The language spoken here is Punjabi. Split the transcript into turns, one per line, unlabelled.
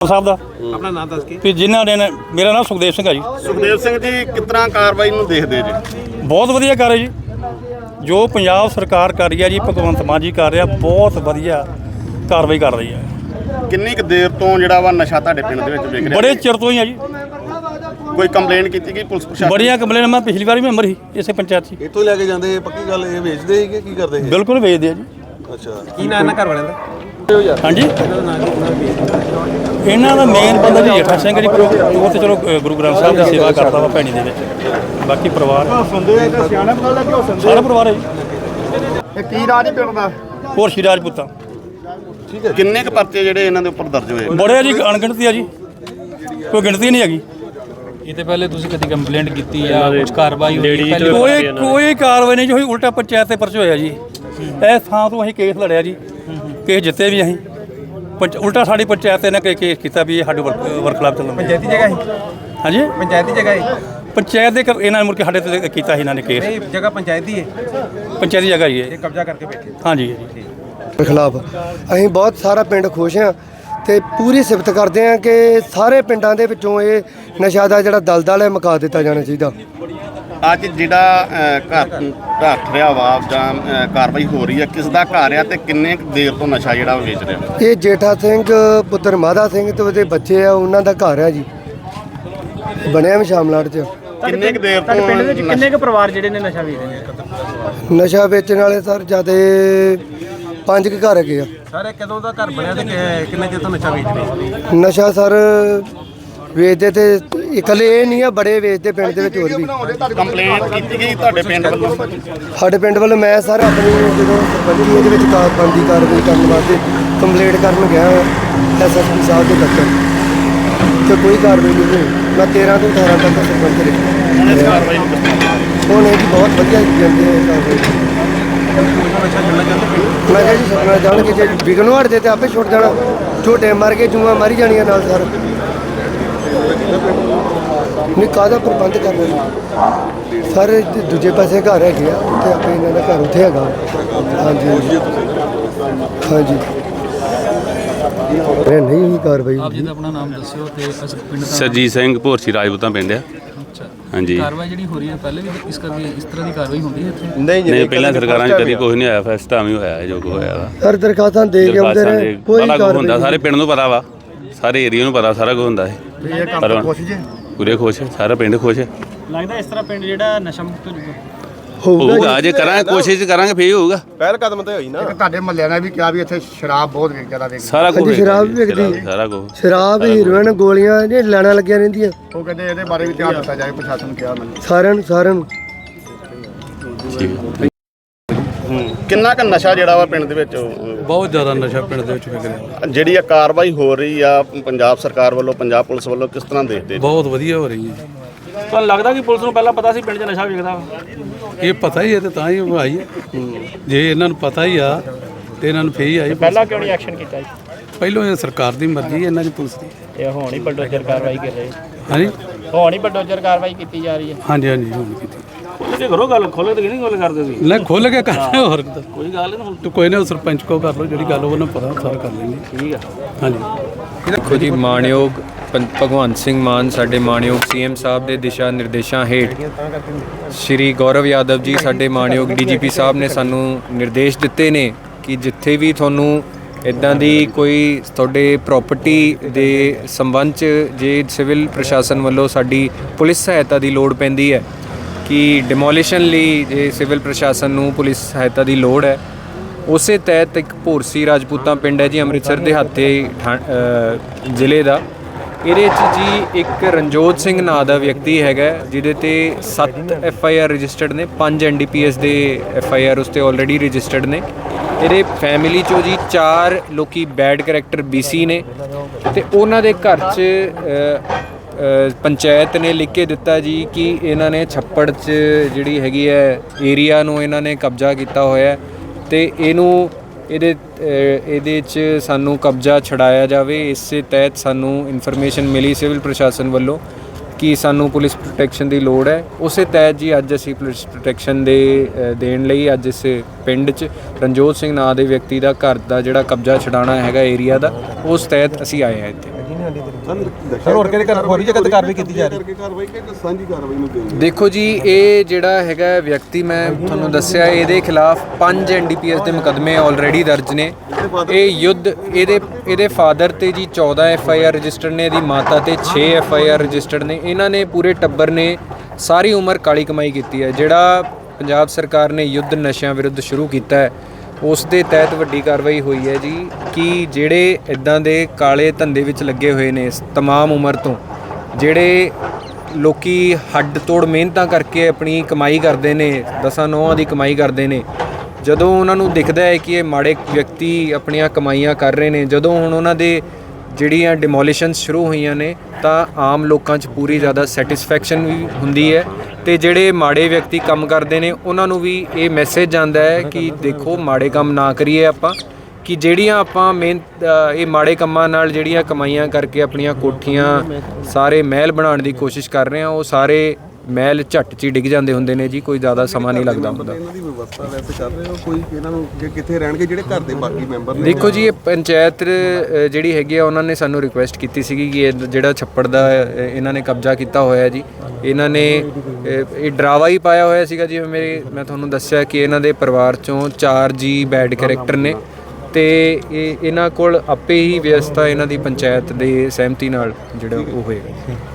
ਸਾਹਿਬ ਦਾ
ਆਪਣਾ ਨਾਮ ਦੱਸ ਕੇ
ਵੀ ਜਿਨ੍ਹਾਂ ਨੇ ਮੇਰਾ ਨਾਮ ਸੁਖਦੇਵ ਸਿੰਘ ਆ ਜੀ।
ਸੁਖਦੇਵ ਸਿੰਘ ਜੀ, ਕਿਸ ਤਰ੍ਹਾਂ ਕਾਰਵਾਈ ਨੂੰ ਦੇਖਦੇ ਜੀ?
ਬਹੁਤ ਵਧੀਆ ਕਰ ਰਹੀ ਜੀ, ਜੋ ਪੰਜਾਬ ਸਰਕਾਰ ਕਰ ਰਹੀ ਹੈ ਜੀ, ਭਗਵੰਤ ਮਾਨ ਜੀ ਕਰ ਰਿਹਾ, ਬਹੁਤ ਵਧੀਆ ਕਾਰਵਾਈ ਕਰ ਰਹੀ ਹੈ।
ਕਿੰਨੀ ਕੁ ਦੇਰ ਤੋਂ ਜਿਹੜਾ ਵਾ ਨਸ਼ਾ ਤੁਹਾਡੇ ਪਿੰਡ ਦੇ ਵਿੱਚ ਵਿਕ ਰਿਹਾ?
ਬੜੇ ਚਿਰ ਤੋਂ ਹੀ ਆ ਜੀ,
ਕੋਈ ਕੰਪਲੇਂਟ ਕੀਤੀ ਗਈ ਪੁਲਿਸ ਪ੍ਰਸ਼ਾਸਨ?
ਬੜੀਆਂ ਕੰਪਲੇਨ, ਮੈਂ ਪਿਛਲੀ ਵਾਰ ਵੀ ਮੈਂਬਰ ਸੀ ਇਸੇ ਪੰਚਾਇਤ 'ਚ।
ਇੱਥੋਂ ਲੈ ਕੇ ਜਾਂਦੇ ਪੱਕੀ ਗੱਲ, ਇਹ ਵੇਚਦੇ ਸੀ ਕਿ ਕੀ ਕਰਦੇ ਸੀ?
ਬਿਲਕੁਲ ਵੇਚਦੇ ਆ ਜੀ।
ਅੱਛਾ,
ਕੀ ਨਾਂ ਇਹਨਾਂ ਘਰ ਵਾਲਿਆਂ ਦਾ?
ਹਾਂਜੀ, ਇਹਨਾਂ ਦਾ ਮੇਨ ਬੰਦਾ ਜੀ ਜੇਠਾ ਸਿੰਘ ਜੀ, ਉਹ ਤੇ ਚਲੋ ਗੁਰੂ ਗ੍ਰੰਥ ਸਾਹਿਬ ਦੀ ਸੇਵਾ ਕਰਦਾ ਵਾ ਭੈਣੀ ਦੇ ਵਿੱਚ। ਬਾਕੀ ਪਰਿਵਾਰ ਸਾਰਾ ਪਰਿਵਾਰ ਹੈ ਜੀ।
ਇਹ ਕੀ ਰਾਜ ਹੀ ਪਿੰਡ ਦਾ?
ਹੋਰ ਸ਼੍ਰੀ ਰਾਜਪੂਤਾਂ
ਠੀਕ ਹੈ। ਕਿੰਨੇ ਕੁ ਪਰਚੇ ਜਿਹੜੇ ਇਹਨਾਂ ਦੇ ਉੱਪਰ ਦਰਜ ਹੋਏ?
ਬੜੇ ਜੀ, ਅਣਗਿਣਤੀ ਆ ਜੀ, ਕੋਈ ਗਿਣਤੀ ਨਹੀਂ ਹੈਗੀ।
ਇਹ ਤੇ ਪਹਿਲੇ ਤੁਸੀਂ ਕਦੀ ਕੰਪਲੇਂਟ ਕੀਤੀ ਆ, ਕੁਝ ਕਾਰਵਾਈ ਹੋਈ?
ਕੋਈ ਕਾਰਵਾਈ ਨਹੀਂ ਜੀ ਹੋਈ, ਉਲਟਾ ਪੰਚਾਇਤ ਤੇ ਪਰਚੇ ਹੋਇਆ ਜੀ। ਇਸ ਥਾਂ ਤੋਂ ਅਸੀਂ ਕੇਸ ਲੜਿਆ ਜੀ, ਕੇਸ ਜਿੱਤੇ ਵੀ ਅਸੀਂ। ਉਲਟਾ ਸਾਡੀ ਪੰਚਾਇਤ ਨੇ ਕੇਸ ਕੀਤਾ ਵੀ ਇਹ ਸਾਡੇ ਵਰਕਲਾਬ ਚੱਲਣ।
ਪੰਚਾਇਤੀ ਜਗ੍ਹਾ ਹੈ?
ਹਾਂਜੀ,
ਪੰਚਾਇਤੀ ਜਗ੍ਹਾ ਹੈ?
ਪੰਚਾਇਤ ਦੇ ਇਹਨਾਂ ਨੇ ਮੁੜ ਕੇ ਸਾਡੇ ਤੇ ਕੀਤਾ ਸੀ ਇਹਨਾਂ ਨੇ ਕੇਸ।
ਨਹੀਂ, ਜਗ੍ਹਾ ਪੰਚਾਇਤੀ ਹੈ,
ਪੰਚਾਇਤੀ ਜਗ੍ਹਾ ਹੀ
ਇਹ
ਹੈ।
ਕਬਜ਼ਾ ਕਰਕੇ ਬੈਠੇ।
ਹਾਂਜੀ
ਖਿਲਾਫ ਅਸੀਂ ਬਹੁਤ ਸਾਰਾ ਪਿੰਡ ਖੁਸ਼ ਹਾਂ ਤੇ ਪੂਰੀ ਸਿਫਤ ਕਰਦੇ ਹਾਂ ਕਿ ਸਾਰੇ ਪਿੰਡਾਂ ਦੇ ਵਿੱਚੋਂ ਇਹ ਨਸ਼ਾ ਦਾ ਜਿਹੜਾ ਦਲਦਲ ਹੈ ਮੁਕਾ ਦਿੱਤਾ ਜਾਣਾ ਚਾਹੀਦਾ।
ਅੱਜ ਜਿਹੜਾ ਘਰ ਢੱਠ ਰਿਹਾ ਵਾ ਜਾਂ ਕਾਰਵਾਈ ਹੋ ਰਹੀ ਹੈ, ਕਿਸ ਦਾ ਘਰ ਆ ਤੇ ਕਿੰਨੇ ਕੁ ਦੇਰ ਤੋਂ ਨਸ਼ਾ ਜਿਹੜਾ ਉਹ ਵੇਚ ਰਿਹਾ?
ਇਹ ਜੇਠਾ ਸਿੰਘ ਪੁੱਤਰ ਮਾਦਾ ਸਿੰਘ ਤੇ ਉਹਦੇ ਬੱਚੇ ਆ, ਉਹਨਾਂ ਦਾ ਘਰ ਹੈ ਜੀ, ਬਣਿਆ ਵੀ ਸ਼ਾਮਲਾਟ 'ਚ।
ਕਿੰਨੇ ਕੁ ਦੇਰ ਤੋਂ
ਪਿੰਡ ਦੇ ਵਿੱਚ ਕਿੰਨੇ ਕੁ ਪਰਿਵਾਰ ਜਿਹੜੇ ਨੇ ਨਸ਼ਾ ਵੇਚਦੇ ਨੇ?
ਨਸ਼ਾ ਵੇਚਣ ਵਾਲੇ ਸਰ ਜਿਆਦੇ 5 ਕੁ ਘਰ ਹੈਗੇ ਆ।
ਸਾਰੇ ਕਦੋਂ ਦਾ ਘਰ ਬਣਿਆ ਤੇ ਕਿੰਨੇ ਚਿਰ ਤੋਂ ਨਸ਼ਾ ਵੇਚਦੇ?
ਨਸ਼ਾ ਸਰ ਵੇਚਦੇ ਤੇ ਇਕੱਲੇ ਇਹ ਨਹੀਂ ਆ, ਬੜੇ ਵੇਚਦੇ ਪਿੰਡ ਦੇ ਵਿੱਚ ਹੋਰ ਵੀ।
ਕੰਪਲੇਂਟ ਕੀਤੀ ਗਈ ਤੁਹਾਡੇ ਪਿੰਡ ਵੱਲੋਂ?
ਸਾਡੇ ਪਿੰਡ ਵੱਲੋਂ ਮੈਂ ਸਰ ਆਪਣੀ ਜਦੋਂ ਸਰਪੰਚੀ ਇਹਦੇ ਵਿੱਚ ਬਣਦੀ ਕਾਰਵਾਈ ਕਰਨ ਵਾਸਤੇ ਕੰਪਲੇਂਟ ਕਰਨ ਗਿਆ ਐਸਐਸਪੀ ਸਾਹਿਬ ਦੇ ਦਫ਼ਤਰ ਤੇ ਕੋਈ ਕਾਰਵਾਈ ਨਹੀਂ ਹੋਈ। ਮੈਂ 13 ਤੋਂ 18 ਤੱਕ ਸਰਪੰਚ ਰਿਹਾ।
ਹੁਣ ਇਸ ਕਾਰਵਾਈ ਨੂੰ ਕਿਸ ਤਰ੍ਹਾਂ?
ਹੁਣ ਇਹ ਜੀ ਬਹੁਤ ਵਧੀਆ ਜਾਂਦੇ ਆ ਕਾਰਵਾਈ। ਮੈਂ ਕਿਹਾ ਜੀ ਛੱਡਣਾ ਜਾਣਗੇ, ਜੇ ਵਿਗਨ ਹਟਦੇ ਤੇ ਆਪੇ ਛੁੱਟ ਜਾਣਾ। ਝੋਟੇ ਮਾਰ ਕੇ ਜੂਆਂ ਮਾਰੀ ਜਾਣੀਆਂ ਨਾਲ ਸਰ। ਨਹੀਂ ਕਾਹਦਾ ਪ੍ਰਬੰਧ ਕਰਨਾ ਸਾਰੇ ਦੂਜੇ ਪਾਸੇ ਘਰ ਹੈਗੇ ਆ, ਉੱਥੇ ਆਪੇ ਇਹਨਾਂ ਦਾ ਘਰ ਉੱਥੇ ਹੈਗਾ। ਹਾਂਜੀ ਹਾਂਜੀ ਨਹੀਂ ਹੋਈ ਕਾਰਵਾਈ।
ਆਪ ਜੀ ਦਾ ਆਪਣਾ ਨਾਮ ਦੱਸਿਓ ਤੇ ਅਸ ਪਿੰਡ ਦਾ
ਸਰਜੀਤ ਸਿੰਘ ਭੋਰਸੀ ਰਾਜਪੂਤਾਂ ਪਿੰਡ ਆ।
ਅੱਛਾ,
ਹਾਂਜੀ।
ਕਾਰਵਾਈ ਜਿਹੜੀ ਹੋ ਰਹੀ ਹੈ ਪਹਿਲੇ ਵੀ ਇਸ ਕਰਕੇ ਇਸ ਤਰ੍ਹਾਂ ਦੀ ਕਾਰਵਾਈ ਹੁੰਦੀ ਹੈ ਇੱਥੇ?
ਨਹੀਂ, ਪਹਿਲਾਂ ਸਰਕਾਰਾਂ 'ਚ ਕਦੀ ਕੁਝ ਨਹੀਂ ਹੋਇਆ, ਫਸਟ ਟਾਈਮ ਹੀ ਹੋਇਆ ਜੋ ਕੁਝ ਹੋਇਆ ਵਾ।
ਹਰ ਦਰਖਾਸਤਾਂ ਦੇ ਕੇ ਆਉਂਦੇ ਰਹੇ, ਕੋਈ
ਬੜਾ ਕੁਝ
ਕਾਰਵਾਈ
ਹੁੰਦਾ, ਸਾਰੇ ਪਿੰਡ ਨੂੰ ਪਤਾ ਵਾ, ਸਾਰੇ ਏਰੀਆ ਨੂੰ ਪਤਾ, ਸਾਰਾ ਕੁਝ ਹੁੰਦਾ ਹੈ। ਪਰ ਹੁਣ ਪੂਰੇ ਖੁਸ਼, ਸਾਰਾ ਪਿੰਡ ਖੁਸ਼
ਲੱਗਦਾ ਇਸ ਤਰ੍ਹਾਂ ਪਿੰਡ ਜਿਹੜਾ ਨਸ਼ਾ ਮੁਕਤ ਹੋ ਜਾਊਗਾ?
ਹੋਊਗਾ। ਜੇ ਕਰਾਂਗੇ, ਕੋਸ਼ਿਸ਼ ਕਰਾਂਗੇ, ਫੇਰ ਹੋਊਗਾ।
ਪਹਿਲ ਕਦਮ ਤੇ ਹੋਈ ਨਾ।
ਤੁਹਾਡੇ ਮਹੱਲਿਆਂ ਨੇ ਵੀ ਕਿਹਾ ਵੀ ਇੱਥੇ ਸ਼ਰਾਬ ਬਹੁਤ ਜ਼ਿਆਦਾ ਵੇਚਦੇ।
ਸਾਰਾ ਕੁਝ
ਹਾਂਜੀ, ਸ਼ਰਾਬ ਵੀ ਵਿਕਦੀ।
ਸਾਰਾ ਕੁਝ
ਸ਼ਰਾਬ, ਹੀਰੋਇਨ, ਗੋਲੀਆਂ ਇਹ ਲੈਣਾ ਲੱਗੀਆਂ ਰਹਿੰਦੀਆਂ।
ਉਹ ਕਹਿੰਦੇ ਇਹਦੇ ਬਾਰੇ ਵੀ ਧਿਆਨ ਦਿੱਤਾ ਜਾਏ, ਪ੍ਰਸ਼ਾਸਨ ਨੂੰ ਕਿਹਾ ਮੈਨੂੰ।
ਸਾਰਿਆਂ ਨੂੰ
ਕਿੰਨਾ ਕੁ ਨਸ਼ਾ ਜਿਹੜਾ ਵਾ ਪਿੰਡ ਦੇ ਵਿੱਚ
ਬਹੁਤ ਜ਼ਿਆਦਾ ਨਸ਼ਾ ਪਿੰਡ ਦੇ ਵਿੱਚ ਵਿਕ ਰਿਹਾ।
ਜਿਹੜੀ ਆ ਕਾਰਵਾਈ ਹੋ ਰਹੀ ਆ ਪੰਜਾਬ ਸਰਕਾਰ ਵੱਲੋਂ, ਪੰਜਾਬ ਪੁਲਿਸ ਵੱਲੋਂ, ਕਿਸ ਤਰ੍ਹਾਂ ਦੇਖਦੇ?
ਬਹੁਤ ਵਧੀਆ ਹੋ ਰਹੀ ਹੈ।
ਤੁਹਾਨੂੰ ਲੱਗਦਾ ਕਿ ਪੁਲਿਸ ਨੂੰ ਪਹਿਲਾਂ ਪਤਾ ਸੀ ਪਿੰਡ 'ਚ ਨਸ਼ਾ ਵਿਕਦਾ ਵਾ?
ਇਹ ਪਤਾ ਹੀ ਹੈ ਤੇ ਤਾਂ ਹੀ ਉਹ ਆਈ ਹੈ। ਜੇ ਇਹਨਾਂ ਨੂੰ ਪਤਾ ਹੀ ਆ ਤੇ ਇਹਨਾਂ ਨੂੰ ਫੇਰ ਹੀ ਆਈ।
ਪਹਿਲਾਂ ਕਿਉਂ ਨਹੀਂ ਐਕਸ਼ਨ ਕੀਤਾ ਜੀ?
ਪਹਿਲੋਂ ਇਹ ਸਰਕਾਰ ਦੀ ਮਰਜ਼ੀ ਹੈ, ਇਹਨਾਂ ਦੀ ਪੁਲਿਸ ਦੀ।
ਇਹ ਹੁਣ ਹੀ ਬਲਡੋਜ਼ਰ ਕਾਰਵਾਈ ਕਰ ਰਹੇ?
ਹਾਂਜੀ
ਹੁਣ ਹੀ ਬਲਡੋਜ਼ਰ ਕਾਰਵਾਈ ਕੀਤੀ ਜਾ ਰਹੀ ਹੈ?
ਹਾਂਜੀ ਹਾਂਜੀ ਹੁਣ ਕੀਤੀ।
ਤੁਸੀਂ ਕਰੋ ਗੱਲ, ਖੋਲੇ ਤੇ ਨਹੀਂ ਗੱਲ ਕਰਦੇ ਤੁਸੀਂ?
ਲੈ ਖੁੱਲ ਕੇ ਕਰਨਾ, ਹੋਰ ਕਿੱਦਾਂ।
ਕੋਈ ਗੱਲ ਨਹੀਂ ਹੁਣ।
ਤੂੰ ਕੋਈ ਨਾ ਸਰਪੰਚ ਕੋ ਕਰ ਲਓ, ਜਿਹੜੀ ਗੱਲ ਉਹਨਾਂ ਨੂੰ ਪਤਾ ਸਾਰਾ ਕਰ ਲੈਂਗੇ।
ਠੀਕ ਆ।
ਹਾਂਜੀ।
ਦੇਖੋ ਜੀ, ਮਾਣਯੋਗ ਭਗਵੰਤ ਸਿੰਘ ਮਾਨ ਸਾਡੇ ਮਾਣਯੋਗ ਸੀਐਮ ਸਾਹਿਬ ਦੇ ਦਿਸ਼ਾ ਨਿਰਦੇਸ਼ਾਂ ਹੇਠ ਸ਼੍ਰੀ ਗੌਰਵ ਯਾਦਵ ਜੀ ਸਾਡੇ ਮਾਣਯੋਗ ਡੀਜੀਪੀ ਸਾਹਿਬ ਨੇ ਸਾਨੂੰ ਨਿਰਦੇਸ਼ ਦਿੱਤੇ ਨੇ ਕਿ ਜਿੱਥੇ ਵੀ ਤੁਹਾਨੂੰ ਇੱਦਾਂ ਦੀ ਕੋਈ ਤੁਹਾਡੇ ਪ੍ਰਾਪਰਟੀ ਦੇ ਸੰਬੰਧ 'ਚ ਜੇ ਸਿਵਲ ਪ੍ਰਸ਼ਾਸਨ ਵੱਲੋਂ ਸਾਡੀ ਪੁਲਿਸ ਸਹਾਇਤਾ ਦੀ ਲੋੜ ਪੈਂਦੀ ਹੈ ਕਿ ਡਿਮੋਲੀਸ਼ਨ ਲਈ ਜੇ ਸਿਵਲ ਪ੍ਰਸ਼ਾਸਨ ਨੂੰ ਪੁਲਿਸ ਸਹਾਇਤਾ ਦੀ ਲੋੜ ਹੈ, ਉਸੇ ਤਹਿਤ ਇੱਕ ਭੋਰਸੀ ਰਾਜਪੂਤਾਂ ਪਿੰਡ ਹੈ ਜੀ, ਅੰਮ੍ਰਿਤਸਰ ਦਿਹਾਤੇ ਜ਼ਿਲ੍ਹੇ ਦਾ। ਇਹਦੇ 'ਚ ਜੀ ਇੱਕ ਰਣਜੋਤ ਸਿੰਘ ਨਾਂ ਦਾ ਵਿਅਕਤੀ ਹੈਗਾ, ਜਿਹਦੇ ਤੇ 7 FIR ਰਜਿਸਟਰਡ ਨੇ, 5 NDPS ਦੇ FIR ਉਸ 'ਤੇ ਆਲਰੇਡੀ ਰਜਿਸਟਰਡ ਨੇ। ਇਹਦੇ ਫੈਮਿਲੀ 'ਚੋਂ ਜੀ 4 ਲੋਕੀ ਬੈਡ ਕਰੈਕਟਰ BC ਨੇ ਤੇ ਉਹਨਾਂ ਦੇ ਘਰ 'ਚ ਪੰਚਾਇਤ ਨੇ ਲਿਖ ਕੇ ਦਿੱਤਾ ਜੀ ਕਿ ਇਹਨਾਂ ਨੇ ਛੱਪੜ 'ਚ ਜਿਹੜੀ ਹੈਗੀ ਹੈ ਏਰੀਆ ਨੂੰ ਇਹਨਾਂ ਨੇ ਕਬਜ਼ਾ ਕੀਤਾ ਹੋਇਆ ਤੇ ਇਹਦੇ 'ਚ ਸਾਨੂੰ ਕਬਜ਼ਾ ਛਡਾਇਆ ਜਾਵੇ। ਇਸੇ ਤਹਿਤ ਸਾਨੂੰ ਇਨਫੋਰਮੇਸ਼ਨ ਮਿਲੀ ਸਿਵਲ ਪ੍ਰਸ਼ਾਸਨ ਵੱਲੋਂ ਕਿ ਸਾਨੂੰ ਪੁਲਿਸ ਪ੍ਰੋਟੈਕਸ਼ਨ ਦੀ ਲੋੜ ਹੈ। ਉਸੇ ਤਹਿਤ ਜੀ ਅੱਜ ਅਸੀਂ ਪੁਲਿਸ ਪ੍ਰੋਟੈਕਸ਼ਨ ਦੇਣ ਲਈ ਅੱਜ ਇਸ ਪਿੰਡ 'ਚ ਰਣਜੋਤ ਸਿੰਘ ਨਾਂ ਦੇ ਵਿਅਕਤੀ ਦਾ ਘਰ ਦਾ ਜਿਹੜਾ ਕਬਜ਼ਾ ਛਡਾਉਣਾ ਹੈਗਾ ਏਰੀਆ ਦਾ, ਉਸ ਤਹਿਤ ਅਸੀਂ ਆਏ ਹਾਂ ਇੱਥੇ।
ਸਰ ਹੋਰ ਕਿਹੜੇ ਘਰ ਹੋਰੀ ਜਗ੍ਹਾ ਤੇ ਕਾਰਵਾਈ ਕੀਤੀ ਜਾ ਰਹੀ ਹੈ ਕਾਰਵਾਈ ਕਿ ਸਾਂਝੀ ਕਾਰਵਾਈ ਨੂੰ ਦੇਣੀ
ਦੇਖੋ ਜੀ, ਇਹ ਜਿਹੜਾ ਹੈਗਾ ਵਿਅਕਤੀ ਮੈਂ ਤੁਹਾਨੂੰ ਦੱਸਿਆ, ਇਹਦੇ ਖਿਲਾਫ 5 NDPS ਦੇ ਮੁਕੱਦਮੇ ਆਲਰੇਡੀ ਦਰਜ ਨੇ। ਇਹ ਯੁੱਧ ਇਹਦੇ ਫਾਦਰ ਤੇ ਜੀ 14 FIR ਰਜਿਸਟਰਡ ਨੇ, ਇਹਦੀ ਮਾਤਾ ਤੇ 6 FIR ਰਜਿਸਟਰਡ ਨੇ। ਇਹਨਾਂ ਨੇ ਪੂਰੇ ਟੱਬਰ ਨੇ ਸਾਰੀ ਉਮਰ ਕਾਲੀ ਕਮਾਈ ਕੀਤੀ ਹੈ। ਜਿਹੜਾ ਪੰਜਾਬ ਸਰਕਾਰ ਨੇ ਯੁੱਧ ਨਸ਼ਿਆਂ ਵਿਰੁੱਧ ਸ਼ੁਰੂ ਕੀਤਾ ਹੈ, ਉਸ ਦੇ ਤਹਿਤ ਵੱਡੀ ਕਾਰਵਾਈ ਹੋਈ ਹੈ ਜੀ ਕਿ ਜਿਹੜੇ ਇਦਾਂ ਦੇ ਕਾਲੇ ਧੰਦੇ ਵਿੱਚ ਲੱਗੇ ਹੋਏ ਨੇ ਤਮਾਮ ਉਮਰ ਤੋਂ, ਜਿਹੜੇ ਲੋਕੀ ਹੱਡ ਤੋੜ ਮਿਹਨਤਾਂ ਕਰਕੇ ਆਪਣੀ ਕਮਾਈ ਕਰਦੇ ਨੇ, 10 ਦੀ ਕਮਾਈ ਕਰਦੇ ਨੇ, ਜਦੋਂ ਉਹਨਾਂ ਨੂੰ ਦਿਖਦਾ ਹੈ ਕਿ ਇਹ ਮਾੜੇ ਵਿਅਕਤੀ ਆਪਣੀਆਂ ਕਮਾਈਆਂ ਕਰ ਰਹੇ ਨੇ, ਜਦੋਂ ਹੁਣ ਉਹਨਾਂ ਦੇ ਜਿਹੜੀਆਂ ਡਿਮੋਲੀਸ਼ਨਸ ਸ਼ੁਰੂ ਹੋਈਆਂ ਨੇ, ਤਾਂ ਆਮ ਲੋਕਾਂ 'ਚ ਪੂਰੀ ਜ਼ਿਆਦਾ ਸੈਟੀਸਫੈਕਸ਼ਨ ਵੀ ਹੁੰਦੀ ਹੈ ਤੇ ਜਿਹੜੇ ਮਾੜੇ ਵਿਅਕਤੀ ਕੰਮ ਕਰਦੇ ਨੇ ਉਹਨਾਂ ਨੂੰ ਵੀ ਇਹ ਮੈਸੇਜ ਜਾਂਦਾ ਹੈ ਕਿ ਦੇਖੋ ਮਾੜੇ ਕੰਮ ਨਾ ਕਰੀਏ ਆਪਾਂ, ਕਿ ਜਿਹੜੀਆਂ ਆਪਾਂ ਮਿਹਨਤ ਇਹ ਮਾੜੇ ਕੰਮਾਂ ਨਾਲ ਜਿਹੜੀਆਂ ਕਮਾਈਆਂ ਕਰਕੇ ਆਪਣੀਆਂ ਕੋਠੀਆਂ ਸਾਰੇ ਮਹਿਲ ਬਣਾਉਣ ਦੀ ਕੋਸ਼ਿਸ਼ ਕਰ ਰਹੇ ਆ, ਉਹ ਸਾਰੇ ਮਹਿਲ ਝੱਟ 'ਚ ਹੀ ਡਿੱਗ ਜਾਂਦੇ ਹੁੰਦੇ ਨੇ ਜੀ, ਕੋਈ ਜ਼ਿਆਦਾ ਸਮਾਂ ਨਹੀਂ ਲੱਗਦਾ ਹੁੰਦਾ।
ਇਹਨਾਂ ਦੀ ਵਿਵਸਥਾ ਵੈਸੇ ਕਰ ਰਹੇ ਹੋ ਕੋਈ ਇਹਨਾਂ ਨੂੰ ਕਿ ਕਿੱਥੇ ਰਹਿਣਗੇ ਜਿਹੜੇ ਘਰ ਦੇ ਬਾਕੀ ਮੈਂਬਰ ਨੇ?
ਦੇਖੋ ਜੀ, ਇਹ ਪੰਚਾਇਤ ਜਿਹੜੀ ਹੈਗੀ ਆ ਉਹਨਾਂ ਨੇ ਸਾਨੂੰ ਰਿਕੁਐਸਟ ਕੀਤੀ ਸੀਗੀ ਕਿ ਇਹ ਜਿਹੜਾ ਛੱਪੜ ਦਾ ਇਹਨਾਂ ਨੇ ਕਬਜ਼ਾ ਕੀਤਾ ਹੋਇਆ ਜੀ, ਇਹਨਾਂ ਨੇ ਇਹ ਡਰਾਵਾ ਹੀ ਪਾਇਆ ਹੋਇਆ ਸੀਗਾ। ਜਿਵੇਂ ਮੈਂ ਤੁਹਾਨੂੰ ਦੱਸਿਆ ਕਿ ਇਹਨਾਂ ਦੇ ਪਰਿਵਾਰ 'ਚੋਂ 4 ਜੀ ਬੈਡ ਕੈਰੈਕਟਰ ਨੇ ਤੇ ਇਹਨਾਂ ਕੋਲ ਆਪੇ ਹੀ ਵਿਵਸਥਾ ਇਹਨਾਂ ਦੀ ਪੰਚਾਇਤ ਦੇ ਸਹਿਮਤੀ ਨਾਲ ਜਿਹੜਾ ਉਹ ਹੋਏਗਾ।